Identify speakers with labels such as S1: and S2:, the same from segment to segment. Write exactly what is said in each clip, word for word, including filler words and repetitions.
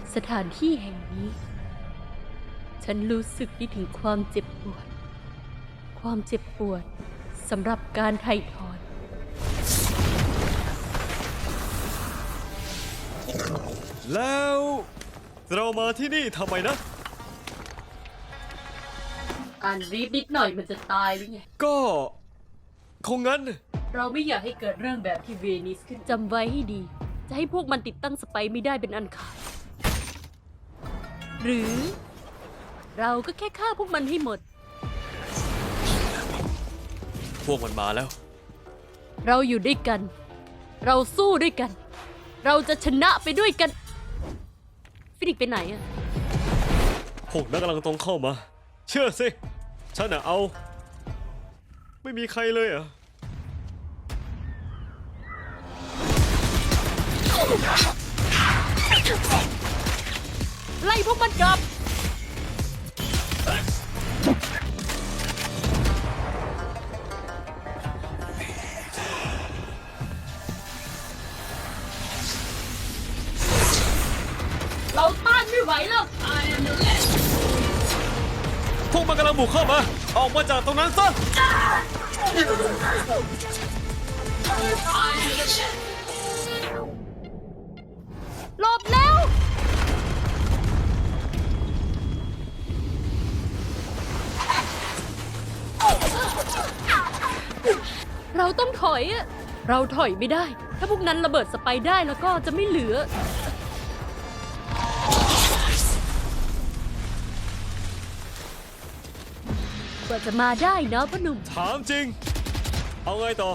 S1: สถานที่แห่งนี้ฉันรู้สึกได้ถึงความเจ็บปวดความเจ็บปวดสำหรับการไถ่ถอน
S2: แล้วเรามาที่นี่ทำไมนะ
S1: อ่านรีบนิดหน่อยมันจะตายหรือไง
S2: ก็คงงั้น
S1: เราไม่อยากให้เกิดเรื่องแบบที่เวนิสขึ้นจำไว้ให้ดีจะให้พวกมันติดตั้งสไปร์ไม่ได้เป็นอันขาดหรือเราก็แค่ฆ่าพวกมันให้หมด
S2: พวกมันมาแล้ว
S1: เราอยู่ด้วยกันเราสู้ด้วยกันเราจะชนะไปด้วยกันฟินิกไปไหนอะ
S2: พวกนั้นกำลังตรงเข้ามาเชื่อสิฉันน่ะเอาไม่มีใครเลยอ่ะ
S1: ไล่พวกมันกลับเราต้านไม่ไหวแล้ว
S2: พวกมันกำลังบุกเข้ามาออกมาจากตรงนั้นซะ
S1: หลบแล้ว เราต้องถอยอะเราถอยไม่ได้ ถ้าพวกนั้นระเบิดสไปได้แล้วก็จะไม่เหลือกว่าจะมาได้เนาะพ่อหนุ่ม
S2: ถามจริงเอาไงต่อ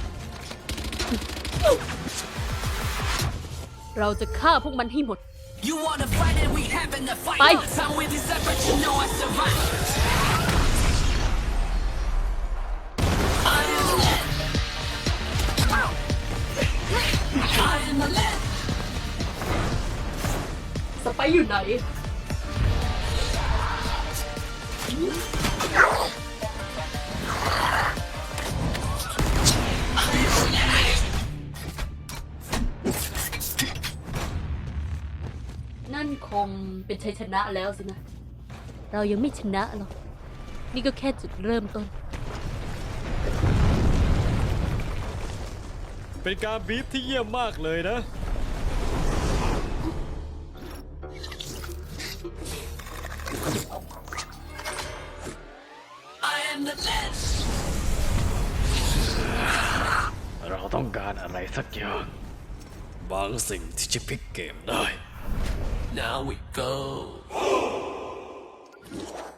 S1: เราจะฆ่าพวกมันให้หมดไปสไปอยู่ไหนนั่นคงเป็นชัยชนะแล้วสินะ เรายังไม่ชนะหรอก นี่ก็แค่จุดเริ่มต้น
S2: เป็นการบีฟที่เยี่ยมมากเลยนะเราต้องการอะไรสักอย่างบางสิ่งที่จะพลิกเกมได้
S3: Now we go.